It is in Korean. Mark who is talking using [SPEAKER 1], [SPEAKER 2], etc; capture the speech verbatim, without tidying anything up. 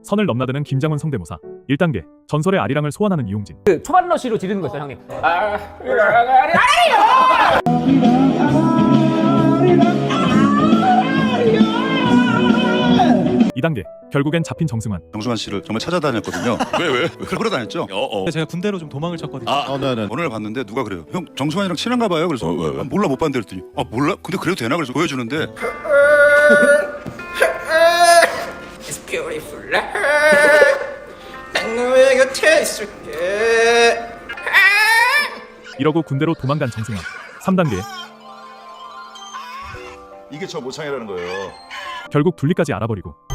[SPEAKER 1] 선을 넘나드는 김장훈 성대모사. 일 단계 전설의 아리랑을 소환하는 이용진.
[SPEAKER 2] 그 초반 러쉬로 지르는 거 있어요, 형님.
[SPEAKER 1] 이 단계 결국엔 잡힌 정승환.
[SPEAKER 3] 정승환 씨를 정말 찾아다녔거든요.
[SPEAKER 4] 왜 왜?
[SPEAKER 3] 끌어다녔죠.
[SPEAKER 4] 어, 어.
[SPEAKER 5] 제가 군대로 좀 도망을 쳤거든요.
[SPEAKER 4] 아,
[SPEAKER 3] 어, 네네. 오늘 봤는데 누가 그래요? 형 정승환이랑 친한가 봐요. 그래서
[SPEAKER 4] 어, 왜, 왜?
[SPEAKER 3] 아, 몰라 못 봤는데 그랬더니 아 몰라? 근데 그래도 되나? 그래서 보여주는데
[SPEAKER 6] It's beautiful life. 난 너의 곁에 있을게.
[SPEAKER 1] 이러고 군대로 도망간 정승환. 삼 단계
[SPEAKER 3] 이게 저 모창이라는 거예요.
[SPEAKER 1] 결국 둘리까지 알아버리고